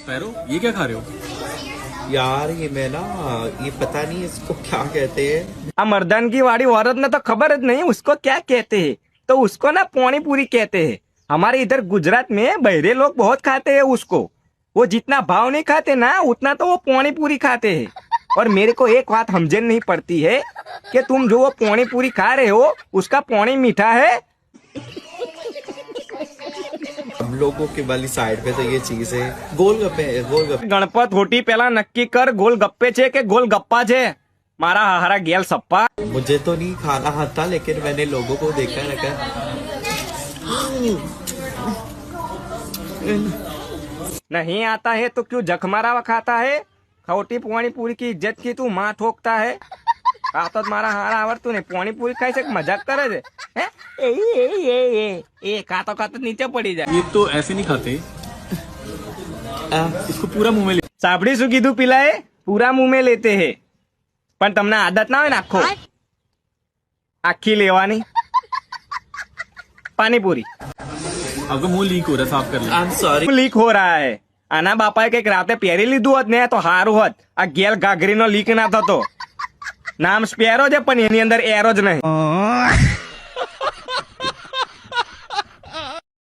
Sparrow, ये क्या खा रहे हो? यार ये मैं ना, ये पता नहीं इसको क्या कहते हैं। आ मर्दान की वाड़ी औरत ने तो खबर नहीं उसको क्या कहते हैं, तो उसको ना पानी पूरी कहते हैं। हमारे इधर गुजरात में बहरे लोग बहुत खाते हैं उसको। वो जितना भाव नहीं खाते ना उतना तो वो पानी पूरी खाते हैं। और मेरे को एक बात समझन नहीं पड़ती है कि तुम जो वो पानी पूरी खा रहे हो उसका पानी मीठा है। हम लोगों के वाली साइड पे तो ये चीज है। गोलगप्पे, गोलगप्पे। गणपत होटी पहला नक्की कर गोलगप्पे छे के गोलगप्पा छे। मारा हारा गेल सप्पा। मुझे तो नहीं खाना आता, लेकिन मैंने लोगों को देखा रखा। नहीं आता है तो क्यों जख मारा हुआ खाता है। खोटी पानी पूरी की इज्जत की तू माँ ठोकता है। तो मारा हारा आवर तूने पानी पूरी खाई से मजाक करे छे? हैं? ए खातो खातो नीचे पड़ी जाए। ये तो ऐसे नहीं खाते, इसको पूरा मुंह में ले। साबड़ी શું કીધું पिलाए पूरा मुंह में लेते हैं। पण તમને आदत ना हो ना आखो आखी लेवानी पानी पूरी। आपका मुंह लीक हो रहा है, साफ कर ले। I am sorry. લીક हो रहा है। આના બાપાએ કઈક રાતે પહેરી લીધું હોત ને તો સારું હોત। આ ગેલ ઘાઘરીનો લીક ના થતો। નામ સ્પેરો છે પણ એની અંદર એરો જ નહીં।